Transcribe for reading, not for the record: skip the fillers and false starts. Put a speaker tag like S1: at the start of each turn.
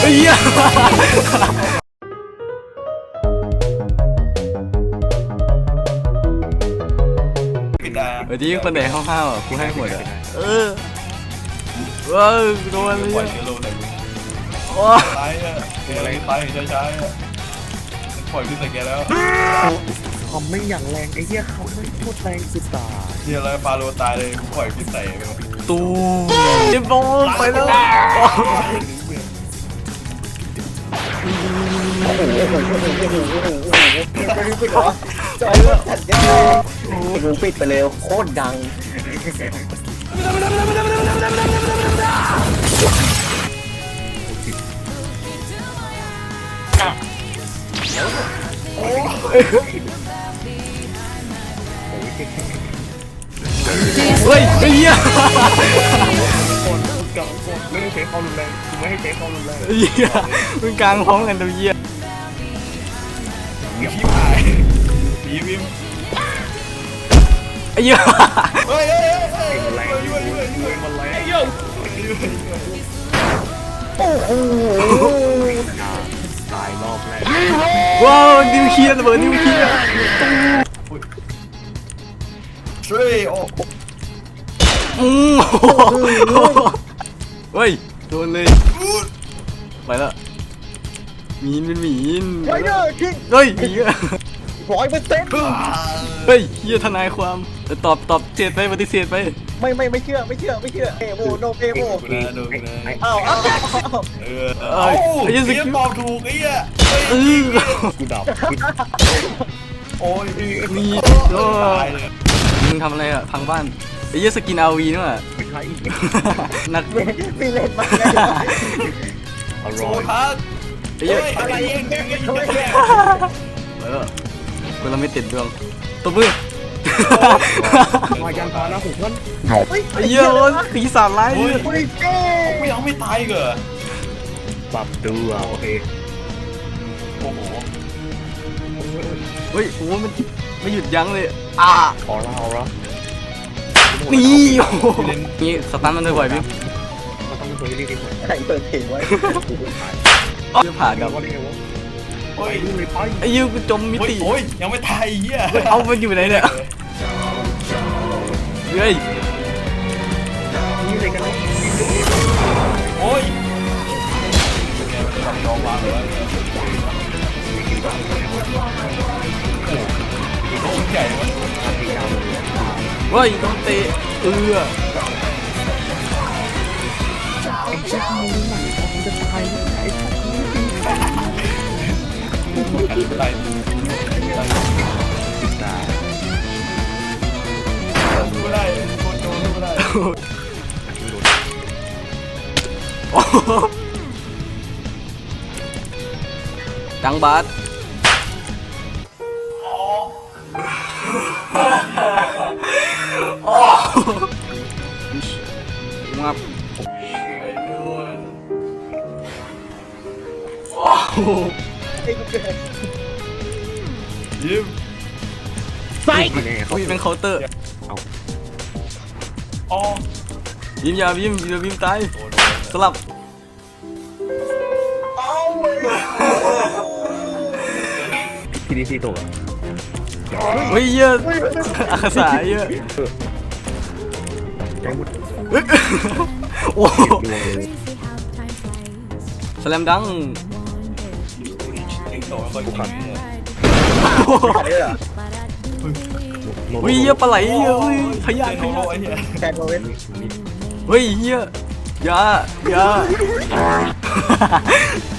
S1: เหี้ยเมื่อกี้คนไหนห้าวๆอ่ะกูให้หมดอ่ะว้าวโดนเลย ว้า
S2: ตายอ่ะอะไรตายช้าๆอ่ะปล่อยขึ้นใส่แกแล้ว
S3: คอมไม่อย่างแรงไอ้เหี้ยเขาไม่โคตรแรงสุดตา
S2: เฮียแล้วฟาโรตายเลยปล่อยขึ้นใส่ไป
S1: ตูเจ็บบอลไปแล้ว
S3: จอยเลือดถัดยังไงกูปิดไปเลยโคตรดัง
S1: เฮ้ยไอ้เหี้ย
S3: ไม่ให้ใช้ความรุนแรงกูไม่ให้ใช้ความรุนแรง
S1: ไอ้เหี้ยมึงกลางพร้อมกันตัวเหี้ย
S2: พี่หายผีวิม
S1: ไอ้เหี้ย
S2: เฮ้ย
S3: มันแรงมันแรงโอ้โหตายรอบแรก
S1: ว้าวนิวเคลียร์ระเบิดนิวเคลียร์
S2: ช่วยโอ้
S1: เฮ้ยโดนเลยไปแล้วมีนเป็นหมีน
S3: ไว้เด้อคิง
S1: เฮ้ยเหี้ย
S3: 100%
S1: เฮ้ยเหี้ยทนายความตอบเสียดไปปฏิเสธไป
S3: ไม่เชื่อเอโมโนเอโม
S2: ดูนะดูนะ
S3: อ้าว
S2: ไอ้ยังสกิลตอบถูกไอ้เหี้ย
S3: กูดับ
S2: โอ้ย
S1: มีโอ้
S2: ตายเลย
S1: มึงทำอะไรอ่ะพังบ้านไอ้เหี้ยสกินอาวีนี่ว่ะ
S3: ไม่ใช่
S1: นัก
S3: มีเล่นมาไงอ
S2: โซ
S3: ร่อย
S2: ทัส
S1: ไอ้เหี้ย
S2: อะไรเอง
S1: กูเราไม่ติดดวงตัวมือ
S3: มายันตาแล้วผมก็
S1: ไอ้เหี้ยโอ้ยปีศาจร้าย
S2: โอ้ย
S3: ไม่เก้
S2: ไม่ยังไม่ตายเหรอ
S3: ปรับตัวโอเค
S2: โอ้โห
S1: เฮ้ยโอ้มันไม่หยุดยั้งเลยอ่า
S3: ออร่า
S1: นี่โอ้โหนี่สตันมันบ่อยๆพี่
S3: มันต้องเป็นตัวที่ดีที่สุดใครเปิดเพลงไว้
S1: จะผ่ากับ
S3: ว่าได้ไงวะ
S2: โอ้ย
S3: ดูเลยไป
S1: ไอ้ยูกูจมมิติ
S2: โอ้ยยังไม่ตายเหี้ย
S1: เอามันอยู่ไหนเนี่ยเฮ้ย
S3: นี่เลยกันนะ
S2: โอ้ยยอมวางเลยชิ้นใหญ่เลย
S1: เฮ้ยต้องเตะ
S3: ไอ้ชักมึงหนังมันจะตายไอ้ชักมึง
S2: อะไร
S3: ติดตา
S2: ดูได้โคตรโจดูได้
S1: ดังบาสงับ
S2: ยิ้ม
S3: ไปไงเขา
S1: อุ้ยเป็นเคาน์เตอร์
S2: อ๋อ
S1: ยิ้มยายิ้มยิ้มตายสลับ
S3: ทีดีซีตัว
S1: เฮ้ยเยอะอาสาเยอะ
S3: แกงมุด
S1: โอ้สแลมดัง
S2: ติงโตมันคนขับเนี่ย
S1: เฮ้ยเยอะปลาไหลเยอะเฮ้ยพยา
S2: ไอ้
S1: ธิ
S2: โนโนไอ้เหี้ย
S3: แกงโมเว้น
S1: เฮ้ยเฮียยา